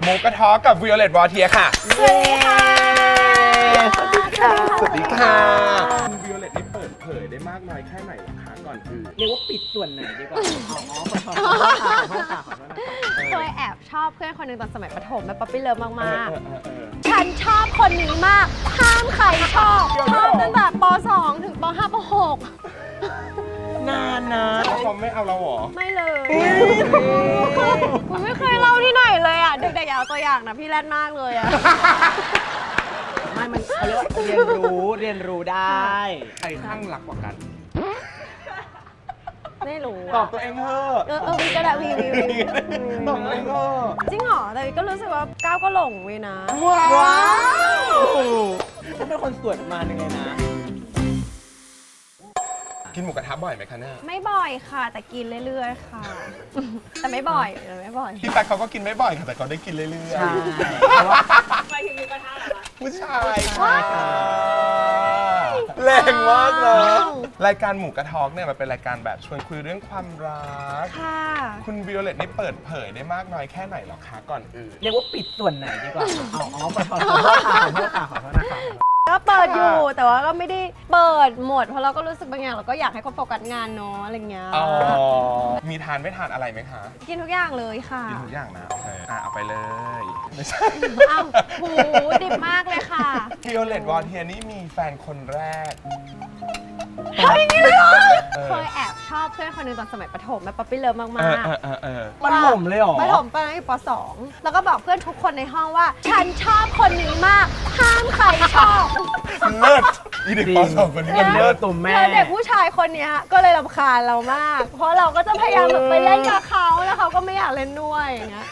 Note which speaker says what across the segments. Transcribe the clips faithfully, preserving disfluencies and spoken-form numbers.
Speaker 1: มูกระทอกับ Violet Voltaire ค่ะสวัสดีค่ะสวัสดีค่ะสวัสดีค่ะคุณ Violet นี่เปิดเผยได้มากน้อยแค่ไหนล่ะคะก่อนอื่น
Speaker 2: เรียกว่าปิดส่วนไหนดีกว่าอ๋อขอโทษขอโทษค่ะขอโทษค่ะขอโทษนะคะ
Speaker 3: เคยแอบชอบเพื่อนคนหนึ่งตอนสมัยประถมแบบป๊อปปี้เลิฟมาก
Speaker 1: ๆ
Speaker 3: ฉันชอบคนนี้มาก ห้ามใครชอบ ชอบตั้งแต่ป สอง ถึงป ห้า ป หก
Speaker 2: นานนะ
Speaker 1: แล้วเขาไม่เอาเราหรอ
Speaker 3: ไม่เลยผมไม่เคยเล่าที่ไหนเลยอ่ะ เด็กๆอย่าเอาตัวอย่างนะ พี่แรดมากเลยอ่ะ
Speaker 2: ไม่มันเขาเรียกว่าเรียนรู้เรียนรู้ได้
Speaker 1: ใครข้างรักกว่ากัน
Speaker 3: ไม่รู้
Speaker 1: ตอบตัวเองเถอะ
Speaker 3: เออเออวีก็ได้วีวีวี
Speaker 1: ตอบตัวเองเถอะ
Speaker 3: จริงเหรอ แต่วีก็รู้สึกว่าก้าวก็หลงวีนะ
Speaker 1: ว้าว
Speaker 2: ฉันเป็นคนสวยประมาณนึงเลยนะ
Speaker 1: กินหมูกระทะบ่อยไหมคะเนี่ย
Speaker 3: ไม่บ่อยค่ะ แต่กินเรื่อยๆค่ะ แต่ไม่บ่อยแต่ไม่บ่อย
Speaker 1: พี่แป๊กเขาก็กินไม่บ่อยค่ะแต่เขาได้กินเรื่อยๆ
Speaker 2: ใช่เพราะว่า
Speaker 3: ไปถึงมีกระทะเหรอคะ
Speaker 1: ผู้ชายค่ะแรงมากเนอะรายการหมูกระทอกเนี่ยมันเป็นรายการแบบชวนคุยเรื่องความรัก
Speaker 3: ค่ะ
Speaker 1: คุณวิโอเลตนี่เปิดเผยได้มากน้อยแค่ไหนหรอคะก่อนอื่น
Speaker 2: เรียกว่าปิดส่วนไหนดีกว่าอ๋ออ๋อขอโทษขอโทษค่ะขอโทษค่ะขอโทษนะคะ
Speaker 3: ก็เปิดอยู่แต่ว่าก็ไม่ได้เปิดหมดเพราะเราก็รู้สึกบางอย่างเราก็อยากให้คนโฟกัสงานเนาะอะไรเงี้ย
Speaker 1: อ๋อ มีทานไม่ทานอะไรไหมคะ
Speaker 3: กินทุกอย่างเลยค่ะ
Speaker 1: กินทุกอย่างนะ โอเค อ่ะ เอาไปเลย ไม่ใช่
Speaker 3: อ้าวโหดิบมากเลยค่ะ
Speaker 1: วิโอเลตวอนเทียนี่มีแฟนคนแรก
Speaker 3: เฮ้ยนี่เลยเหรอ
Speaker 1: เออ
Speaker 3: เคยแอบชอบเพื่อนคนหนึ่งตอนสมัยประถมแบบป๊อปปี้เลิฟมาก
Speaker 1: เออ
Speaker 3: ๆ
Speaker 1: เออเออเออ
Speaker 2: มันหล่มเลยเหรอ
Speaker 3: ประถมตอนนั้นอยู่ป สอง แล้วก็บอกเพื่อนทุกคนในห้องว่า ฉันชอบคนนี้มาก ห้ามใครชอบ
Speaker 1: เลิศอีเด็กปสองคนนี้
Speaker 2: เอ็นเดอร์ตุ่มแม่
Speaker 3: แล้วเด็กผู้ชายคนเนี้ยก็เลยรำคาญเรามาก เพราะเราก็จะพยายามแบบไปเล่นกับเขาแล้วเขาก็ไม่อยากเล่นด้วยอย่างเงี้ย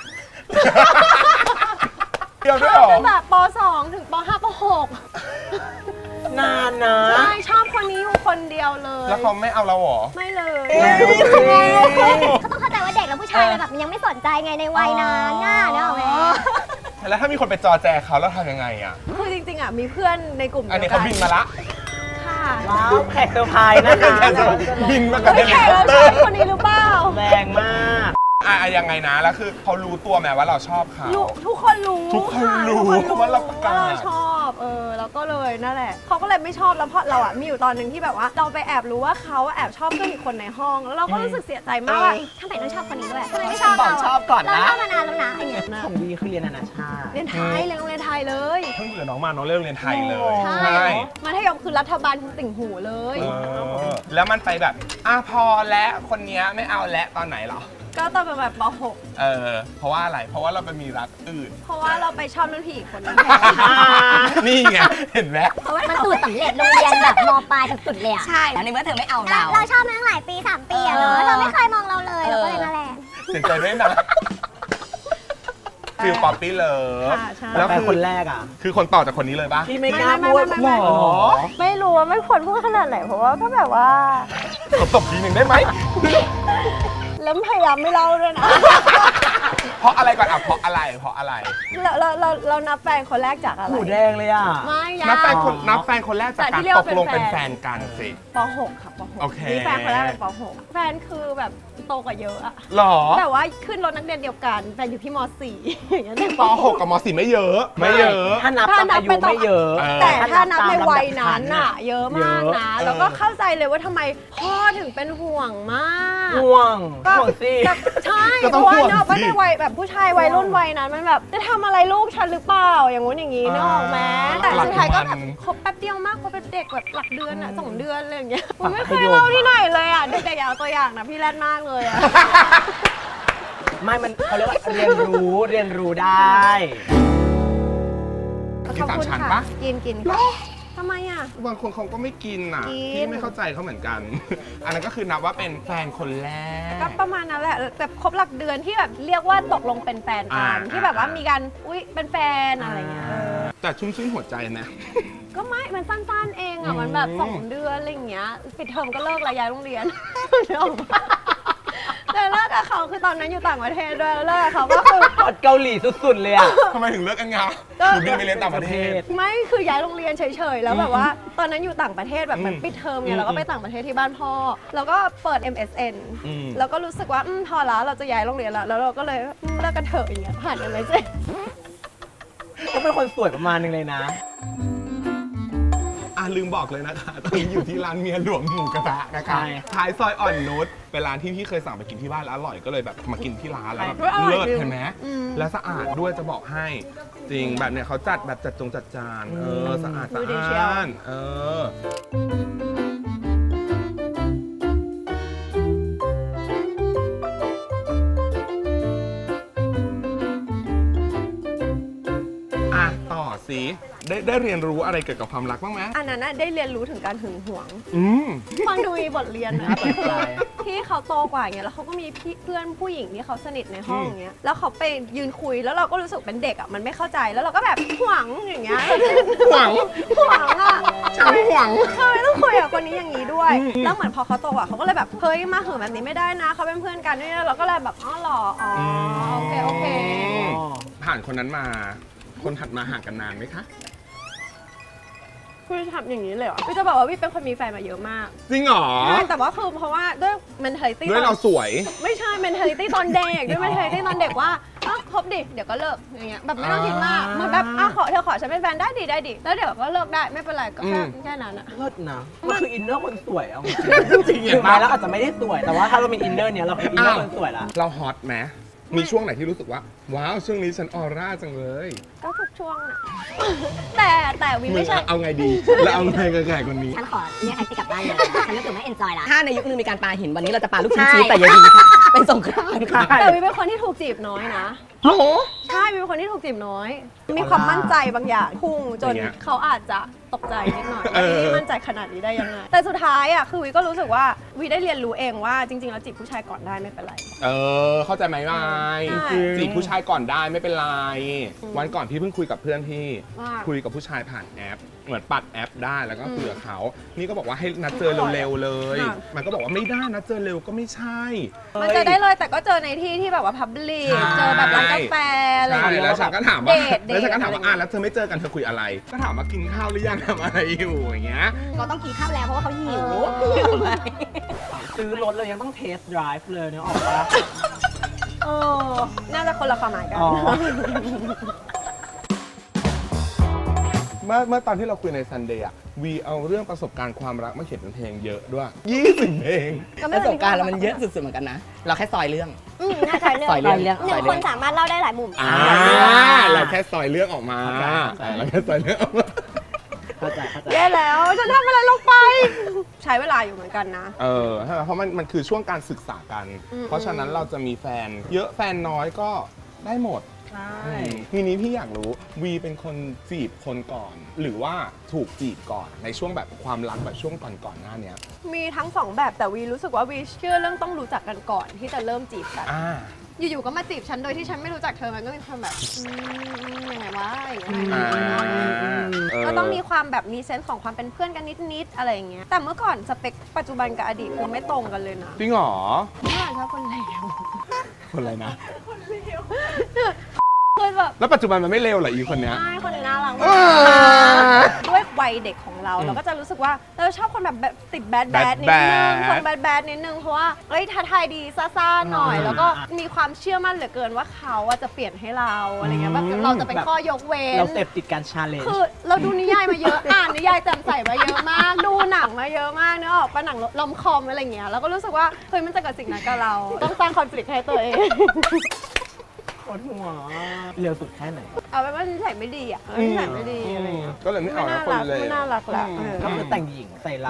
Speaker 1: เดียวด้วย
Speaker 3: ช
Speaker 1: เหร
Speaker 3: อบ
Speaker 1: อ
Speaker 3: ตั้งแต่ป สอง ถึงป ห้า ป หก
Speaker 2: นานนะ
Speaker 3: ใช่ชอบคนนี้อยู่คนเดียวเลย
Speaker 1: แล้วเขาไม่เอาเราเหรอ
Speaker 3: ไม่เลย
Speaker 4: เขาต้องเข้าใจว่าเด็กแล้วผู้ชายมันแบบมันยังไม่สนใจไงในวัยนั้นน่ะเนกอะแม่
Speaker 1: แล้วถ้ามีคนไปจอแจเขาแล้วทำยังไงอ่ะ
Speaker 3: คือจริงๆอ่ะมีเพื่อนในกลุ่ม
Speaker 1: อัน
Speaker 3: เดี
Speaker 1: นี้
Speaker 3: ยวกั
Speaker 1: เขาบินมาละ
Speaker 3: ค่ะ
Speaker 2: ว้าวแขกเซอร์ไพรส์นะคะ
Speaker 1: บินมากับเฮ
Speaker 3: ไม่
Speaker 1: ลิ
Speaker 3: แข่
Speaker 1: คอ
Speaker 3: เรา
Speaker 1: ปเต
Speaker 3: ใช่
Speaker 1: อร์
Speaker 3: คนนี้หรือเปล่า
Speaker 2: แรงมาก
Speaker 1: อ่ะยังไงนะ แล้วคือเขารู้ตัวไหมว่าเราชอบเขา
Speaker 3: รู้ทุกคนรู้
Speaker 1: ทุกคนรู้
Speaker 3: ะทุก
Speaker 1: ว่าเราประกาศ
Speaker 3: ว่าเราชอบเออแล้วก็เลยนั่นแหละเขาก็เลยไม่ชอบแล้วเพราะเราอ่ะมีอยู่ตอนหนึ่งที่แบบว่าเราไปแอบรู้ว่าเขาแอบชอบเพื่อนอีกคนในห้องแล้วเราก็รู้สึกเสียใจมากว่า
Speaker 4: ทำไมต้องชอบคนนี้ด้วยทำไมไม่ชอบ
Speaker 2: บอ
Speaker 4: เรา
Speaker 2: กชอบก่อน
Speaker 4: เรา
Speaker 2: นะ
Speaker 4: ชอบมานานแล้วนะอย่างเงี้ย
Speaker 2: ของดีคือเรียนนานาชาติ
Speaker 3: เรียนไทยเรียนโรงเรียนไทยเลย
Speaker 1: เพิ่งเบื่อน้องมาน้องเลิกเรียนไทยเลย
Speaker 3: ใช่มัธยมคือรัฐบาลคือติ่งหูเลย
Speaker 1: เออแล้วมันไปแบบอ่ะพอแล้วคนเนี้ยไม่เอาแล้วตอนไหนเหรอ
Speaker 3: ก็ตอนเป็นแบบป หก
Speaker 1: เออ เพราะว่าอะไร เพราะว่าเราไปมีรักอื่น
Speaker 3: เพราะว่าเราไปชอบรุ่นพี่อีกคนนึง
Speaker 1: นี่ไง เห็นไหม
Speaker 4: เพราะว่ามันสูตรสำเร็จโรงเรียนแบบมปลายสุดๆเลยอะ
Speaker 5: ใช่แล้วในเมื่อเธอไม่เอา
Speaker 4: เรา
Speaker 5: เรา
Speaker 4: เราชอบมาตั้งหลายปีสามปีอะเนอะเธอไม่เคยมองเราเลยเราก็เลยมาแรง
Speaker 1: เสียใจด้วยนะฟิลป๊อปปี้เลย
Speaker 3: ค่ะใช่
Speaker 1: แล้ว
Speaker 2: แฟน
Speaker 1: คือ
Speaker 2: คนแรกอ่ะ
Speaker 1: คือคนต่อจากคนนี้เลยปะ
Speaker 2: ที่ไม่กล้าพูด
Speaker 3: ไม่ไม่ไม่ไม่
Speaker 2: หรอ
Speaker 3: ไม่รู้ว่าไม่ควรพูดขนาดไหนเพราะว่าก็แบบว่า
Speaker 1: ขอตบทีหนึ่งได้ไหม
Speaker 3: แล้วพยายามไม่เล่าด้วยนะ
Speaker 1: เพราะอะไรก่อนอ่ะเพราะอะไร เพราะอะไร
Speaker 3: เราเราเราเรานับแฟนคนแรกจากอะไร
Speaker 2: หูแดงเลยอ่ะ
Speaker 3: ไม่ยา
Speaker 1: นับแฟนคน
Speaker 2: อ๋อ
Speaker 1: นับแฟนคนแรกจาก
Speaker 3: แต่
Speaker 1: การ
Speaker 3: ที่เรียก
Speaker 1: ต
Speaker 3: ว่าก
Speaker 1: ลง
Speaker 3: เป็
Speaker 1: เป็น
Speaker 3: น
Speaker 1: แฟ
Speaker 3: แฟ
Speaker 1: น
Speaker 3: น
Speaker 1: กันสิ
Speaker 3: ป หก ค่ะป หก
Speaker 1: โอเค
Speaker 3: นี่แฟนคนแรกเป็นป หก แฟนคือแบบโตกว่าเยอะอะ
Speaker 1: หรอ
Speaker 3: แต่ว่าขึ้นรถนักเรียนเดียวกันแฟนอยู่ที่ม สี่ อย่างเงี้ยเด็ก
Speaker 1: ปหกกับมสี่ไม่เยอะ ไม่เยอะ
Speaker 2: ถ้านับตามอายุไม่เยอะ
Speaker 1: เออ
Speaker 3: แต่ถ้านับใน
Speaker 2: ตมลำดับ
Speaker 3: วัยนั้น
Speaker 2: ชั้
Speaker 3: น่ะ เยอะมากนะ
Speaker 1: เยอะ
Speaker 3: แล้วก็เข้าใจเลยว่าทำไมพ่อถึงเป็นห่วงมาก
Speaker 2: ห่วง
Speaker 3: ก็
Speaker 2: ห่วงสิ
Speaker 3: แต่ใช่
Speaker 1: ก็
Speaker 3: เพ
Speaker 1: ต้อง
Speaker 3: ราะว่า
Speaker 1: ห่วง
Speaker 3: เนอะว่า
Speaker 1: สิ
Speaker 3: ในวัยแบบผู้ชายวัยรุ่นวัยนั้นมันแบบจะทำอะไรลูกฉันหรือเปล่าอย่างงู้นอย่างงี้เนกอะแม้แต่สุดท้ายก็แบบคบแป๊บเดียวมากคบเป็นเด็กแบบหลักเดือนอะสองเดือนอะไรอย่างเงี้ยผมไม่เคยเล่าที่ไหนเลยอะเด็กๆอย่าเอาตัวอย่างนะพี่แรดมากเลยอะ
Speaker 2: ไม่มันเขาเรียกว่าเรียนรู้เรียนรู้ได้
Speaker 1: กินสามชั้นปะ
Speaker 3: กินกินค่ะทำไมอะ
Speaker 1: บางคนเขาก็ไม่กินอ่ะ
Speaker 3: กิน
Speaker 1: พี่ไม่เข้าใจเขาเหมือนกัน อันนั้นก็คือนับว่าเป็นแฟนคนแรก
Speaker 3: ก็ประมาณนั้นแหละแบบครบหลักเดือนที่แบบเรียกว่าตกลงเป็นแฟนกัน
Speaker 1: อ่า
Speaker 3: ที่แบบว่ามีการอุ๊ยเป็นแฟนอะไรเงี้ยเออ
Speaker 1: แต่ชุ่มชื่นหัวใจนะ
Speaker 3: ก็ไม่ มันสั้นๆเองอ่ะ มันแบบสองเดือนอะไรอย่างเงี้ย ปิดเทอมก็เลิกแล้วย้ายโรงเรียน นึกออกปะแต่เลิกกับเขาคือตอนนั้นอยู่ต่างประเทศด้วยแล้วเลิกกับเขาก็คือ
Speaker 2: กอดเกาหลีสุดๆเลยอ่ะ
Speaker 1: ทำไมถึงเลิกกันงะ
Speaker 3: ก็
Speaker 1: หนูบินไปเรียนต่างประเทศ
Speaker 3: ไม่คือย้ายโรงเรียนเฉยๆแล้วแบบว่าตอนนั้นอยู่ต่างประเทศแบบเหมือน
Speaker 1: อืม
Speaker 3: ปิดเทอม
Speaker 1: อื
Speaker 3: ไง
Speaker 1: ม
Speaker 3: เราก็ไปต่างประเทศที่บ้านพ่อแล้วก็เปิด เอ็ม เอส เอ็น
Speaker 1: อืม
Speaker 3: แล้วก็รู้สึกว่าอืมพอแล้วเราจะย้ายโรงเรียนแล้วแล้วเราก็เลยอืมเลิกกันเถอะอย่างเงี้ยผ่านกันเลยสิ
Speaker 2: ก็เป็นคนสวยประมาณนึงเลยนะ
Speaker 1: อ่ะลืมบอกเลยนะคะตอนนี้อยู่ที่ร้านเมียหลวงหมูกระทะนะคะ
Speaker 2: ใช่
Speaker 1: ท้ายซอยอ่อนนุชเป็นร้านที่พี่เคยสั่งไปกินที่บ้านแล้วอร่อยก็เลยแบบมากินที่ร้านแล้วแบบ
Speaker 3: เฮ้ยอร่อย
Speaker 1: เลิศ
Speaker 3: จริง
Speaker 1: เห็นไหม
Speaker 3: อืม
Speaker 1: และสะอาดด้วยจะบอกให้ จริงแบบเนี้ยเขาจัดแบบจัดจงจัดจานเออสะอาด
Speaker 3: ดู
Speaker 1: สะ
Speaker 3: ดีเชียว
Speaker 1: อาดเอออ่ะต่อสิได้ได้เรียนรู้อะไรเกี่ยวกับความรักบ้างไหม
Speaker 3: อันนั้นน่ะได้เรียนรู้ถึงการหึงหวง
Speaker 1: อืม
Speaker 3: ฟังดูมีบทเรียนนะ
Speaker 2: น่าสนใจ
Speaker 3: ที่เขาโตกว่าอย่างเงี้ยแล้วเขาก็มีพี่เพื่อนผู้หญิงที่เขาสนิทในห้องอย่างเงี้ยแล้วเขาไปยืนคุยแล้วเราก็รู้สึกเป็นเด็กอ่ะมันไม่เข้าใจแล้วเราก็แบบหวงอย่างเงี้ย
Speaker 1: หวัง
Speaker 3: หวงอ่ะ
Speaker 1: ฉันหวัง
Speaker 3: ทำไมต้องคุยกับคนนี้อย่างนี้ด้วย
Speaker 1: อืม
Speaker 3: แล้วเหมือนพอเขาโตกว่าเขาก็เลยแบบเฮ้ยมาหึงแบบนี้ไม่ได้นะเขาเป็นเพื่อนกันด้วยนะเราก็เลยแบบอ๋อเหรออ๋อโอเคโอเค
Speaker 2: อ๋อ
Speaker 1: ผ่านคนนั้นมา คนถัดมาห่างกันนานไหมคะ
Speaker 3: คือทำอย่างนี้เลยเหรอคือจะบอกว่าวิเป็นคนมีแฟนมาเยอะมาก
Speaker 1: จริงเหรอ
Speaker 3: ใช่แต่ว่าคือเพราะว่าด้วย mentality
Speaker 1: ด้วยเราสวย
Speaker 3: ไม่ใช่ mentality ตอนเด็กด้วย mentality ตอนเด็กว่าอ้าวคบดิเดี๋ยวก็เลิกอย่างเงี้ยแบบไม่ต้องคิดมากเหมือนแบบอ้าวขอเธอขอฉันเป็นแฟนได้ดิได้ดิแล้วเดี๋ยวก็เลิกได้ไม่เป็นไรก็แค่
Speaker 1: อืม
Speaker 3: แค่นั้นอะ
Speaker 2: เลิศนะมันคืออินเนอร์คนสวยเอาจริง
Speaker 1: จริง
Speaker 2: ๆ
Speaker 1: เหรอ
Speaker 2: ถึงแม้แล้วอาจจะไม่ได้สวย แต่ว่าถ้าเรามีอินเนอร์เนี้ยเราคืออินเนอร์คนสวยละ
Speaker 1: เราฮอตไหมมีช่วงไหนที่รู้สึกว่า ว้าว ช่วงนี้ฉันออร่าจังเลย
Speaker 3: ก็ทุกช่วงอะแต่แต่วิ
Speaker 1: มึ
Speaker 3: ไม่
Speaker 1: ง
Speaker 3: ใช่
Speaker 1: เอาไงดี แล้วเอาไงกับแขกคนนี้
Speaker 4: ฉันขอเรียกแท็กซี่กลับบ้านเลยฉันรู้สึกไม่เอนจอยละ
Speaker 5: ถ้าในยุคนึงมีการปาหินวันนี้เราจะปาลูกชิ้น
Speaker 4: ใช่
Speaker 5: ชีสแต่อยาดีค่ะ เป็นสงครามค่ะ
Speaker 3: แต่วิเป็นคนที่ถูกจีบน้อยนะ
Speaker 1: โอ้โห
Speaker 3: ใช่วิเป็นคนที่ถูกจีบน้อย มีความมั่นใจบางอย่างพุ่งจน
Speaker 1: อย่างเงี้ย
Speaker 3: เขาอาจจะตกใจนิดหน่อย
Speaker 1: เอ
Speaker 3: ว่า
Speaker 1: อ
Speaker 3: นี่มั่นใจขนาดนี้ได้ยังไงแต่สุดท้ายอ่ะคือวิก็รู้สึกว่าวิได้เรียนรู้เองว่าจริงๆแล้วจีบผู้ชายก่อนได้ไม่เป็นไร
Speaker 1: เออ เข้าใจไหมไม
Speaker 3: ใช่
Speaker 1: จีบผู้ชายก่อนได้ไม่เป็นไร วันก่อนพี่เพิ่งคุยกับเพื่อนพี่
Speaker 3: ว่า
Speaker 1: คุยกับผู้ชายผ่านแอป เหมือนปัดแอปได้แล้วก็คุยกับเขา นี่ก็บอกว่าให้นัดเจอเร็วๆเลย
Speaker 3: ค่ะ
Speaker 1: มันก็บอกว่าไม่ได้นัดเจอเร็วก็ไม่ใช่
Speaker 3: มันเจอได้เลยแต่ก็เจอในที่ที่แบบว่าพับลิก
Speaker 1: ใช่
Speaker 3: เจอแบบร้านกาแฟอะไรอ
Speaker 1: ใช่
Speaker 3: ย่างเงี้ย
Speaker 1: แล้วฉันก็ถามว่า
Speaker 3: เดทเดท
Speaker 1: แล้วฉันก็ถามว่า
Speaker 3: อะไร
Speaker 1: อ่ะแล้วเธอไม่เจอกันเธอคุยอะไร ก็ถามว่ากินข้าวหรือยังทำอะไรอยู่อย่างเงี้ย
Speaker 4: เราต้องกินข้าวแล้วเพราะว่าเขาหิว
Speaker 2: ซื้อรถเรายังต้องเทสต์ไดรฟ์เลยเนี่ยออกปะ
Speaker 3: เออน่าจะคนละความหมายกัน
Speaker 2: อ๋อ
Speaker 1: เมื่อเมื่อตอนที่เราคุยในซันเดย์อะวีเอาเรื่องประสบการณ์ความรักมาเขียนเป็นเพลงเยอะด้วยยี่สิบเพลง
Speaker 3: ก็ไม่
Speaker 5: ประส
Speaker 3: ป็
Speaker 5: บการณ์เรามันเยอะสุดๆเหมือนกันนะ เราแค่ซอยเรื่อง
Speaker 4: อืมน่าจะเรื่อง
Speaker 5: ซอยเรื่อง
Speaker 4: หนึ่งคนสามารถเล่าได้หลายมุม
Speaker 1: อ่าเราแค่ซอยเรื่องออกมา
Speaker 2: ใช่
Speaker 1: เราแค่ซอยเรื่องออกมา
Speaker 2: เข้าใจเข้าใจ
Speaker 3: แย่แล้วฉันทำอะไรลงไป ใช้เวลาอยู่เหมือนกันนะ
Speaker 1: เออใช่ไหมเพราะมันมันคือช่วงการศึกษากัน
Speaker 3: อืม
Speaker 1: เพราะฉะนั้นเราจะมีแฟน เยอะแฟนน้อยก็ได้หมด
Speaker 2: ใช่
Speaker 1: ทีนี้พี่อยากรู้วีเป็นคนจีบคนก่อน หรือว่าถูกจีบก่อนในช่วงแบบความรักแบบช่วงก่อนก่อนๆหน้าเนี้ย
Speaker 3: มีทั้งสองแบบแต่วีรู้สึกว่าวีเชื่อเรื่องต้องรู้จักกันก่อนที่จะเริ่มจีบกัน
Speaker 1: อ่า
Speaker 3: อยู่ๆก็มาจีบฉันโดยที่ฉันไม่รู้จักเธอมันก็มีความแบบอืมยังไงวะอย่างเงี้ย
Speaker 1: อ่าเ
Speaker 3: ก็ต้องมีความแบบมีเซนส์ของความเป็นเพื่อนกันนิดๆอะไรอย่างเงี้ยแต่เมื่อก่อนสเปคปัจจุบันกับอดีตคือไม่ตรงกันเลยนะ
Speaker 1: จริงเหรอ
Speaker 3: เมื่อก่อนชอบคนเลว
Speaker 1: คนอะไรนะ
Speaker 3: คือแบบ
Speaker 1: แล้วปัจจุบันมันไม่เลวเหรออีคนเนี้ย
Speaker 3: ใช่คนนี้น่ารัก
Speaker 1: อ่
Speaker 3: มา
Speaker 1: า
Speaker 3: กด้วยวัยเด็กของเรา
Speaker 1: อืม
Speaker 3: เราก็จะรู้สึกว่าเราชอบคนแบบแบบติดแบดแบ
Speaker 1: bad
Speaker 3: ดนิดนึง
Speaker 1: bad
Speaker 3: คนแบดแบดนิดนึงเพราะว่าเอ้ยท้าทายดีซ่าๆหน่อย แล้วก็มีความเชื่อมั่นเหลือเกินว่าเขาอะจะเปลี่ยนให้เราอะไรเงี้ยแบบเราจะเป็นข้อยกเว้น
Speaker 2: เราเสพติดการชาเลนจ์
Speaker 3: คือเราดูนิยายมาเยอะ อ่านนิยายจำใส่มาเยอะมาก ดูหนังมาเยอะมากเนื้อออกปะหนังลอมคอมอะไรเงี้ยเราก็รู้สึกว่าเฮ้ยมันจะเกิดสิ่งนั้นกับเรา ต้องสร้างคอนฟ lict ให้ตัวเอง
Speaker 2: ปวดหัวเร็วสุดแค่ไหน
Speaker 3: เอาไปนว่านิสัยไม่ดีอ่ะนิสัยไม่ดีอะไรเงี้ย
Speaker 1: ก็เลยไม่
Speaker 3: ไม่
Speaker 1: เอา
Speaker 3: น่า
Speaker 1: คน
Speaker 3: รัก
Speaker 1: เลย
Speaker 3: ไม่น่ารักละเออ
Speaker 2: ก็คือแต่งหญิงใส่เรา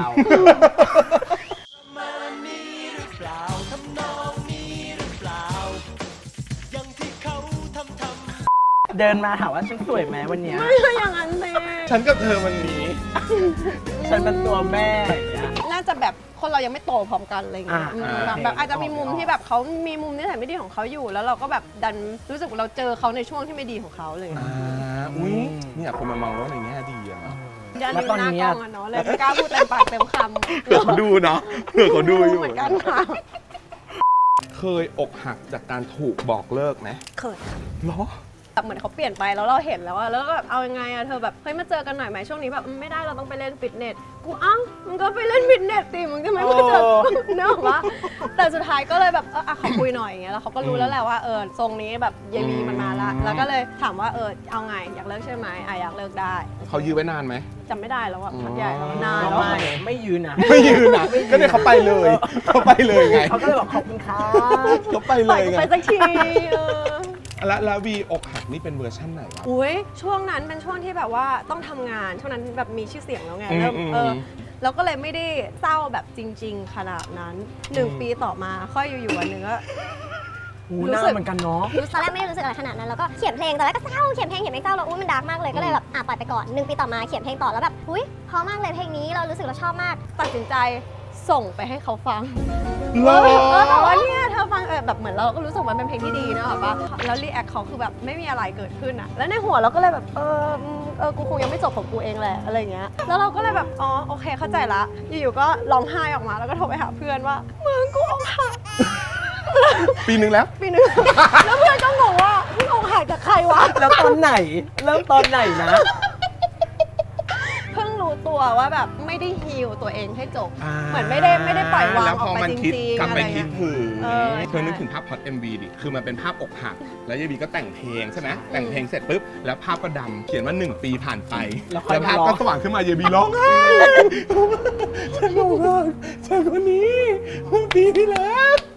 Speaker 2: เดินมาถามว่าฉันสวยไหมวันเนี้ย
Speaker 3: ไม่ใช่อย่างนั้นเลย
Speaker 1: ฉันกับเธอวันนี้
Speaker 2: ฉันเป็นตัวแม่อย่างเงี้ย
Speaker 3: น่าจะแบบคนเรายังไม่โตพร้อมกันอะไรเงี้ย
Speaker 2: อ่า
Speaker 3: อืม
Speaker 1: อ่า
Speaker 3: แบบแบบอาจจะมีมุม
Speaker 2: ออก
Speaker 3: ที่แบบเขามีมุมนิสัยไม่ดีของเขาอยู่ แล้วเราก็แบบดันรู้สึกว่าเราเจอเขาในช่วงที่ไม่ดีของเขาเลย
Speaker 1: อ่าอุ้ยเนี่ยคนมามองว่าในแง่ดีอะเนาะ
Speaker 3: ดัน
Speaker 2: แล้ว
Speaker 3: ดู
Speaker 2: ตอน
Speaker 3: หน้า
Speaker 2: นี้
Speaker 3: กล้
Speaker 2: อะ
Speaker 3: องอะเนาะเลยไม่กล้าพูดเต็มปากเต็มคำ
Speaker 1: เผื่อเขาดูเนาะเผื่อเขาดูอยู่
Speaker 3: เหมือนกันค่ะ
Speaker 1: เคยอกหักจากการถูกบอกเลิกไหม
Speaker 3: เคย
Speaker 1: เหรอ
Speaker 3: แบบเหมือนเขาเปลี่ยนไปแล้วเราเห็นแล้วอะแล้วก็แบบเอายังไงอะเธอแบบเฮ้ยมาเจอกันหน่อยไหมช่วงนี้แบบอืมไม่ได้เราต้องไปเล่นฟิตเนสกูอ้าวมึงก็ไปเล่นฟิตเนสสิมึงจะไม่มาเจอกูเนอะวะแต่สุดท้ายก็เลยแบบเอออะขอคุยหน่อยอย่างเงี้ยแล้วเขาก็รู้แล้วแหละว่าเออทรงนี้แบบยายบีมันมาละแล้วก็เลยถามว่าเออเอาไงอยากเลิกใช่ไหมอ่ะอยากเลิกได้
Speaker 1: เขายื้อไว้นานไหม
Speaker 3: จำไม่ได้แล้วอะ
Speaker 1: อ๋อ
Speaker 3: พักใหญ่แล้วนาน
Speaker 2: ก็
Speaker 3: แล้ว
Speaker 2: ไม่ไม่ยืนนะ
Speaker 1: ไม่ยืนนะก็เนี่ยเขาไปเลย เขาไปเลยไง
Speaker 2: เขาก็เลยบอกขอบคุณครับ
Speaker 1: เขาไป
Speaker 3: ป
Speaker 1: เล
Speaker 3: ล่อย
Speaker 1: ย
Speaker 3: กู
Speaker 1: ไง
Speaker 3: ไปสักทีเออ
Speaker 1: แล้วแล้ววีอกหักนี่เป็นเวอร์ชั่นไหนวะ
Speaker 3: อุ้ยช่วงนั้นเป็นช่วงที่แบบว่าต้องทำงานช่วงนั้นแบบมีชื่อเสียงแล้วไง
Speaker 1: อืม
Speaker 3: เริ่ม
Speaker 1: อืม
Speaker 3: เออแล้วก็เลยไม่ได้เศร้าแบบจริง ๆ ขนาดนั้นหนึ่งปีต่อมาค่อยอยู่ๆวันหนึ่งก็
Speaker 2: หู
Speaker 3: รู้
Speaker 2: หน้า
Speaker 3: สึก
Speaker 2: เหมือนกันเนาะ
Speaker 4: ตอนแรกไม่ได้รู้สึกอะไรขนาดนั้นแล้วก็เขียนเพลงตอนแรกก็เศร้าเขียนเพลงเขียนเพลงเศร้าแล้วอุ้ยมันดาร์กมากเลยก็เลยแบบอ่ะปล่อยไปก่อนหนึ่งปีต่อมาเขียนเพลงต่อแล้วแบบอุ้ยเพราะมากเลยเพลงนี้เรารู้สึกเราชอบมาก
Speaker 3: ตัดสินใจส่งไปให้เขาฟัง
Speaker 1: เหรอ
Speaker 3: เออแต่ว่าเนี่ยเธอฟังเออแบบเหมือนเราก็รู้สึกว่ามันเป็นเพลงที่ดีนะแบบว่าแล้วรีแอคเขาคือแบบไม่มีอะไรเกิดขึ้นอะแล้วในหัวเราก็เลยแบบเอออืมเออกูคงยังไม่จบของกูเองแหละอะไรอย่างเงี้ยแล้วเราก็เลยแบบอ๋อโอเคเข้าใจละอยู่ๆก็ร้องไห้ออกมาแล้วก็โทรไปหาเพื่อนว่ามึงกูอกหัก
Speaker 1: ปีหนึ่งแล้ว
Speaker 3: ปีหนึง แล้วเพื่อนก็งงว่ามึงอกหักจากใครวะ
Speaker 2: แล้วตอนไหน เริ่มตอนไหนนะ
Speaker 3: เพิ่งรู้ตัวว่าแบบไม่ได้ฮีลตัวเองให้จบ
Speaker 2: อ่า
Speaker 3: เหมือนไม่ได้ไม่ได้ปล่อยวาง
Speaker 1: แล้ว
Speaker 3: อ
Speaker 1: พ
Speaker 3: อก
Speaker 1: อ
Speaker 3: ไป
Speaker 1: มัน
Speaker 3: จ
Speaker 1: คิด
Speaker 3: ริง
Speaker 1: กลับ
Speaker 3: ๆอะ
Speaker 1: ไป
Speaker 3: ไร
Speaker 1: คิ
Speaker 3: เงี้
Speaker 1: ด
Speaker 3: ย
Speaker 1: ถึง
Speaker 3: เออ
Speaker 1: เธอนึกถึงภาพพอด เอ็ม วี ดิ คือมันเป็นภาพอกหัก แล้วยายบีก็แต่งเพลงใช่ไหมแต่งเพลงเสร็จปุ๊บ แล้วภาพก็ดำเขียนว่าหนึ่งปีผ่านไป
Speaker 2: แล้วค่อย
Speaker 1: แล้วภาพ
Speaker 2: ร้อง
Speaker 1: ก็สว่างขึ้นมายายบีร้องไห้ฉันร้องไห้ฉันคนนี้เมื่อปีที่แล้ว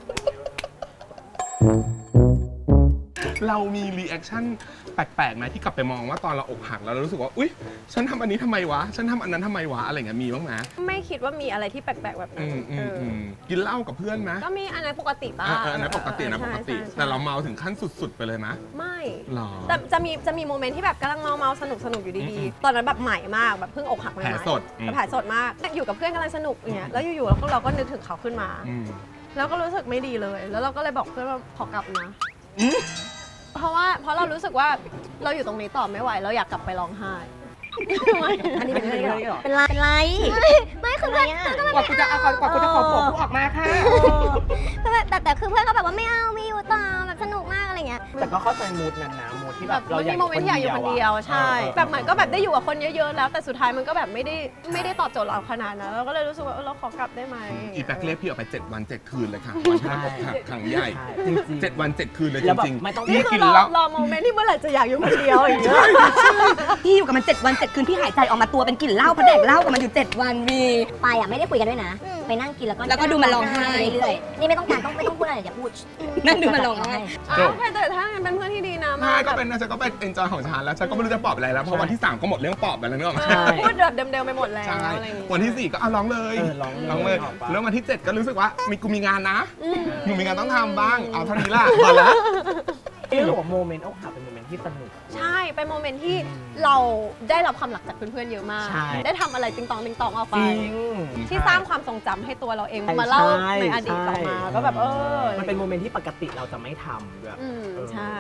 Speaker 1: เรามีรีแอคชั่นแปลกๆไหมที่กลับไปมองว่าตอนเราอกหักแล้วเรารู้สึกว่า อุ๊ย ฉันทำอันนี้ทำไมวะ ฉันทำอันนั้นทำไมวะ อะไรเงี้ยมีบ้างไหม
Speaker 3: ไม่คิดว่ามีอะไรที่แปลกๆแบบนั้
Speaker 1: อื
Speaker 3: น
Speaker 1: มอื
Speaker 3: เอ
Speaker 1: ม
Speaker 3: อ
Speaker 1: อืมกินเหล้ากับเพื่อนไหม
Speaker 3: ก็มีอันนั้นปกติบ้าง
Speaker 1: อ่าอันนั้นปกตินะปกติ
Speaker 3: ใช่ใช่
Speaker 1: แต่เราเมาถึงขั้นสุด ๆ ไปเลยไหม
Speaker 3: ไม่
Speaker 1: หรอ
Speaker 3: แต่จะมีจะมีโมเมนต์ที่แบบกำลังเมาเมาสนุกสนุกอยู่
Speaker 1: อื
Speaker 3: ดี
Speaker 1: ม
Speaker 3: ๆ ตอนนั้นแบบใหม่มากแบบเพิ่งอกหักใหม่
Speaker 1: แผล
Speaker 3: ๆ
Speaker 1: สดอืม
Speaker 3: แผลสดมากอยู่กับเพื่อนกำลังสนุกอย่างเงี้ยแล้วอยู่ๆเราก็เราก็นึกถึงเขาขึ้นมา
Speaker 1: อืม
Speaker 3: แล้วก็รู้สึกไม่ดีเลย แล้วเราก็เลยบอกเพื่อนว่าขอกลับนะ
Speaker 1: อืม
Speaker 3: เพราะว่าเพราะเรารู้สึกว่าเราอยู่ตรงนี้ต่อไม่ไหวเราอยากกลับไปร้องไห้
Speaker 2: อันนี้เป็นเรื่องเหรอ
Speaker 4: เป็นไรเป็นไรไม่คือเพื่อนเพื่อนก็
Speaker 5: กว่ากูจะเอากว่ากูจะขอผมกูออกมาค่ะ
Speaker 4: แบบแต่แต่คือเพื่อนก็แบบว่าไม่เอาไม่อยู่ต่อแบบสนุกมากอะไรเงี้ย
Speaker 2: แต่ก็เข้าใจมูดนั้นนะมูดที่แบ
Speaker 3: แบบ บ
Speaker 2: เรา
Speaker 3: มัน
Speaker 2: อยาก
Speaker 3: มีโมเมนต์อยากอยู่คนเดียวใช่ แบบเหมือนก็แบบได้อยู่กับคนเยอะๆแล้ว แต่สุดท้ายมันก็แบบไม่ได้ไม่ได้ตอบโจทย์เราขนาดนั้นเราก็เลยรู้สึกว่าเออเราขอกลับได้ไหม
Speaker 1: อีแบ็กเรียกพี่ออกไปเจ็ดวันเจ็ดคืนเลยค่ะวันที่อกหักครั้งใหญ่
Speaker 2: ใช่จริงๆ
Speaker 1: เจ็ดวันเจ็ดคืนเลย
Speaker 2: แล้
Speaker 1: จ
Speaker 2: วแบบ
Speaker 1: ริง
Speaker 2: ไม่ต้อง
Speaker 1: ๆ
Speaker 3: นี่
Speaker 1: พี่
Speaker 3: คื
Speaker 1: กิ
Speaker 3: อน รอ
Speaker 1: แล้ว
Speaker 3: รอโมเมนต์ที่เมื่อไหร่จะอยากอยู่คนเดียวอย่างเงี้ย
Speaker 5: พี่อยู่กับมันเจ็ดวันเจ็ดคืนพี่หายใจออกมาตัวเป็นกลิ่นเหล้าเพราะแดกเหล้ากับมันอยู่เจ็ดวันมี
Speaker 4: ไปอ่ะไม่ได้คุยกันด้วยนะ ไปนั่งกินแล้วก็
Speaker 5: แล้วก็ดูมันร้องไห้
Speaker 4: เรื่อยๆนี่ไม่ต้องการต้องไม่ต้องพูดอะไรอย่าพูด
Speaker 5: นั่นดูมันร้องไห้
Speaker 3: อ้าวแต่ถ้างั้นเป็นเพื่อนที่ดีนะ
Speaker 1: ใช่
Speaker 3: มา
Speaker 1: ก็เป็นนะฉันก็เป็นเอนจอยของฉันแล้วฉันก็ไม่รู้จะปอบอะไรแล้วเพราะวันที่สามก็หมดเรื่องปอบไปแล้วนึกออกไหม
Speaker 2: ใช่
Speaker 3: พูดแบบเดิมๆไปหมดแล้ว
Speaker 1: ใช่
Speaker 3: อะไรอย่างงี้
Speaker 1: วันที่สี่ก็เอาร้องเลย
Speaker 2: เออร้องเลย
Speaker 1: ร้องเลย
Speaker 2: ออกปะ
Speaker 1: แล้ววันที่เจ็ดก็รู้สึกว่ามีกูมีงานนะ
Speaker 3: อืม
Speaker 1: กูมีงานต้องทำบ้างเอาเท่านี้ละพอแล้ว
Speaker 2: เรื่องของโมเมนต์อกหักเป็นโมเมนต์ที่สนุก
Speaker 3: ใช่ เป็นโมเมนต์ที่เราได้รับความหลักจากเพื่อนๆเยอะมาก
Speaker 2: ใช่
Speaker 3: ได้ทำอะไรติงตองติงตองออก
Speaker 2: จ
Speaker 3: ไป
Speaker 2: ริง
Speaker 3: ที่สร้างความทรงจำให้ตัวเราเอง
Speaker 2: ใช่
Speaker 3: มาเล่า
Speaker 2: ใช่
Speaker 3: ในอดีตต่อมา
Speaker 2: ใช่
Speaker 3: ก็แบบเออ
Speaker 2: มันเป็นโมเมนต์ที่ปกติเราจะไม่ทำด้วย
Speaker 3: อืมใช่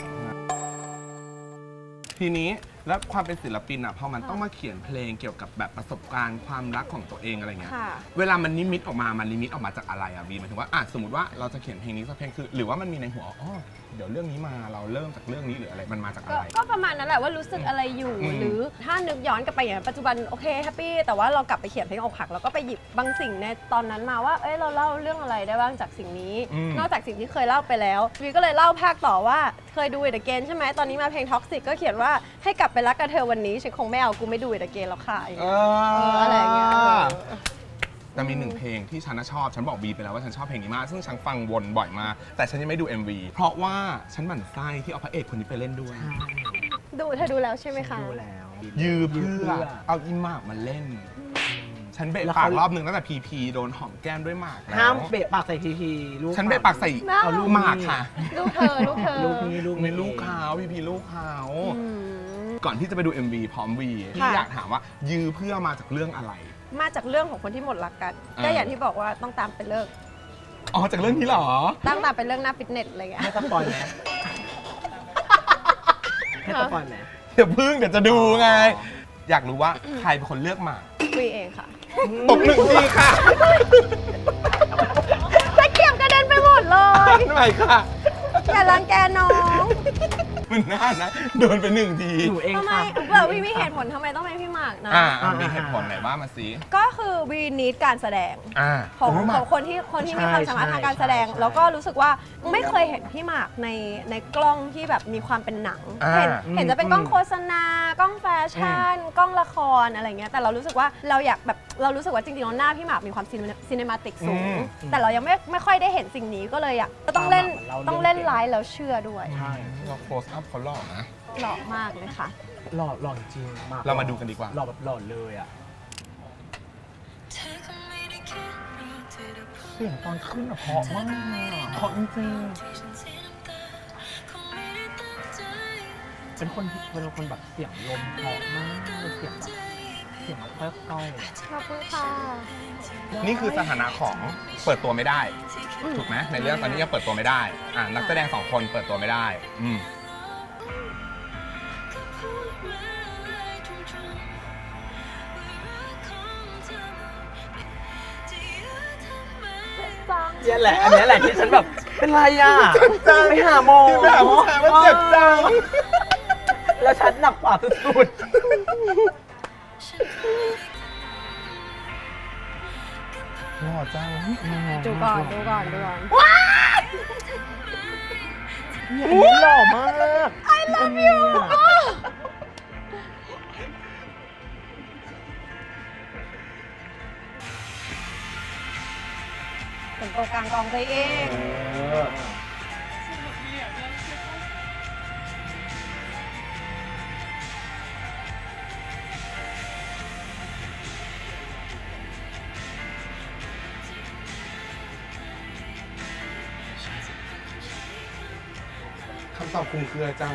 Speaker 1: ทีนี้แล้วความเป็นศิลปินอ่ะพอมันต้องมาเขียนเพลงเกี่ยวกับแบบประสบการณ์ความรักของตัวเองอะไรเงี้ย
Speaker 3: ค่ะ
Speaker 1: เวลามันนิมิตออกมามันนิมิตออกมาจากอะไรอ่ะบีหมายถึงว่าอ่ะสมมติว่าเราจะเขียนเพลงนี้สักเพลงคือ หรือว่ามันมีในหัวอ๋อเดี๋ยวเรื่องนี้มาเราเริ่มจากเรื่องนี้หรืออะไรมันมาจากอะ
Speaker 3: ก็
Speaker 1: ไร
Speaker 3: ก็ประมาณนั้นแหละว่ารู้สึกอะไรอยู่
Speaker 1: อืม
Speaker 3: หรือถ้านึกย้อนกลับไปอย่างปัจจุบันโอเคแฮปปี้แต่ว่าเรากลับไปเขียนเพลงอกหักเราก็ไปหยิบบางสิ่งในตอนนั้นมาว่าเอ้ยเราเล่าเรื่องอะไรได้บ้างจากสิ่งนี้
Speaker 1: อืม
Speaker 3: นอกจากสิ่งที่เคยเล่าไปแล้ววีก็เลยเล่าภาคต่อว่าเคยดู It Again ใช่ไหมตอนนี้มาเพลง Toxic ก็เขียนว่าให้กลับไปรักกับเธอวันนี้ฉันคงไม่เอากูไม่ดู It Again แล้วค่ะอย่าง
Speaker 1: เอ
Speaker 3: เงี้ย เอออะไรอย่างเงี้ยเออ
Speaker 1: แต่มีหนึ่งเพลงที่ฉันน่ะชอบ ฉันบอกบีไปแล้วว่าฉันชอบเพลงนี้มาก ซึ่งฉันฟังวนบ่อยมาก แต่ฉันยังไม่ดู เอ็ม วี เพราะว่าฉันหมั่นไส้ที่เอาพระเอกคนนี้ไปเล่นด้วย
Speaker 3: ดูเธอดูแล้วใช่ไหมคะ
Speaker 2: ดูแล้ว
Speaker 1: ยืม
Speaker 2: ยืม
Speaker 1: เพื่
Speaker 2: เพื่
Speaker 1: อ
Speaker 2: อ
Speaker 1: เอาอีหมากมาเล่น ฉันเบะ
Speaker 2: แล้ว
Speaker 1: ปาก
Speaker 2: เขา
Speaker 1: รอบหนึ่งตั้งแต่พีพีโดนหอมแก้มด้วยหมากแล้ว
Speaker 2: ห้ามเบะปากใส่ทีทีลูก
Speaker 1: ฉันเบะปากใส่
Speaker 3: น่า
Speaker 1: เอาลูกหมากค่ะ
Speaker 3: ลูกเธอลูกเธอ
Speaker 2: ลูกนี้ลูก
Speaker 1: ใน
Speaker 2: นี้
Speaker 1: ลูกเขาพีพีลูกเขา
Speaker 3: อืม
Speaker 1: ก่อนที่จะไปดู เอ็ม วี พร้อมวีที่
Speaker 3: ค่ะ
Speaker 1: อยากถามว่ายื้อเพื่อมาจากเรื่องอะไร
Speaker 3: มาจากเรื่องของคนที่หมดรักกัน
Speaker 1: อ่า
Speaker 3: ก็อย่างที่บอกว่าต้องตามไปเลิก
Speaker 1: อ๋อจากเรื่องนี้เหรอ
Speaker 3: ตั้งตามไปเรื่องหน้าฟิตเนสอะไรเงี้ย
Speaker 2: ให้สปอยไหมให้สปอยไหม
Speaker 1: เดี๋ยวพึ่งเดี๋ยวจะดูไง อยากรู้ว่าใครเป็นคนเลือกหมาก
Speaker 3: คุยเองค่ะ
Speaker 1: ตบหนึ่งทีค่ะ
Speaker 3: ตะเกียบกระเด็นไปหมดเลย
Speaker 1: ใหม่ค่ะ
Speaker 3: อย่ารังแกน้อง
Speaker 1: มันน่านะโดนไปหนึ่งที
Speaker 2: หนูเอง
Speaker 3: ทำไม
Speaker 2: ค่ะ
Speaker 3: เผื่อวีมีเหตุผลทำไมต้องเป็นพี่หมากนะ
Speaker 1: อ่าอ่ามีเหตุผลไหนบ้างมาสิ
Speaker 3: ก็คือวีนิดการแสดง
Speaker 1: อ่า
Speaker 3: ของ
Speaker 1: โอ้ห
Speaker 3: ข
Speaker 1: มา
Speaker 3: องคนที่คนที่มีความสามารถทางการแสดง
Speaker 2: ใช่
Speaker 3: แล้วก็รู้สึกว่าไม่เคยเห็นพี่หมากในในกล้องที่แบบมีความเป็นหนัง
Speaker 1: อ่า
Speaker 3: เห็นเห็นจะเป็นกล้อง
Speaker 2: อืม
Speaker 3: โฆษณากล้องแฟชั่น กล้องละครอะไรเงี้ยแต่เรารู้สึกว่าเราอยากแบบเรารู้สึกว่าจริงๆแล้วหน้าพี่หมากมีความซีเนมาติกสูง แต่เรายังไม่ไม่ค่อยได้เห็นสิ่งนี้ก็เลยอยากก็ต้องเล่น
Speaker 2: เราเล่น
Speaker 3: ต้องเล่นไลฟ์แล้วเชื่อด้วย
Speaker 2: ใช่
Speaker 1: เราโคสอัพเขาหล่อนะ
Speaker 3: หล่อมากเลยค่ะ
Speaker 2: หล่อหล่อจริงมาก
Speaker 1: เรามาดูกันดีกว่า
Speaker 2: หล่อแบบหล่อเลยอ่ะเสียงตอนขึ้นอะเพราะมากอะเพราะจริงๆเป็นคนที่เป็นคนแบบเสียงลมเพราะมากเป็นเสียงแบบเสียงแบบค่อยๆอะ
Speaker 3: ขอบคุณค่ะ
Speaker 1: นี่คือสถานะของเปิดตัวไม่ได้ ถูกไหมในเรื่องตอนนี้ยังเปิดตัวไม่ได้อ่านักแสดงสองคนเปิดตัวไม่ได้ อืม
Speaker 2: เนี่ยแหละ อันเนี้ยแหละที่ฉันแบบ เป็นไรอ่ะไปหาหมอ
Speaker 1: ที่ไปหาผู้ชายมันเจ็บจัง
Speaker 2: แล้วฉันหนักกว่าสุด
Speaker 1: หล่อจัง
Speaker 2: ๆ
Speaker 3: ดูก่อนดูก่อนดูก่อน
Speaker 2: เนี่ยอันนี้หล่อมาก I love you
Speaker 3: เป็นตัวกลางกองตัวเอง
Speaker 1: คำตอบคลุมเครือจัง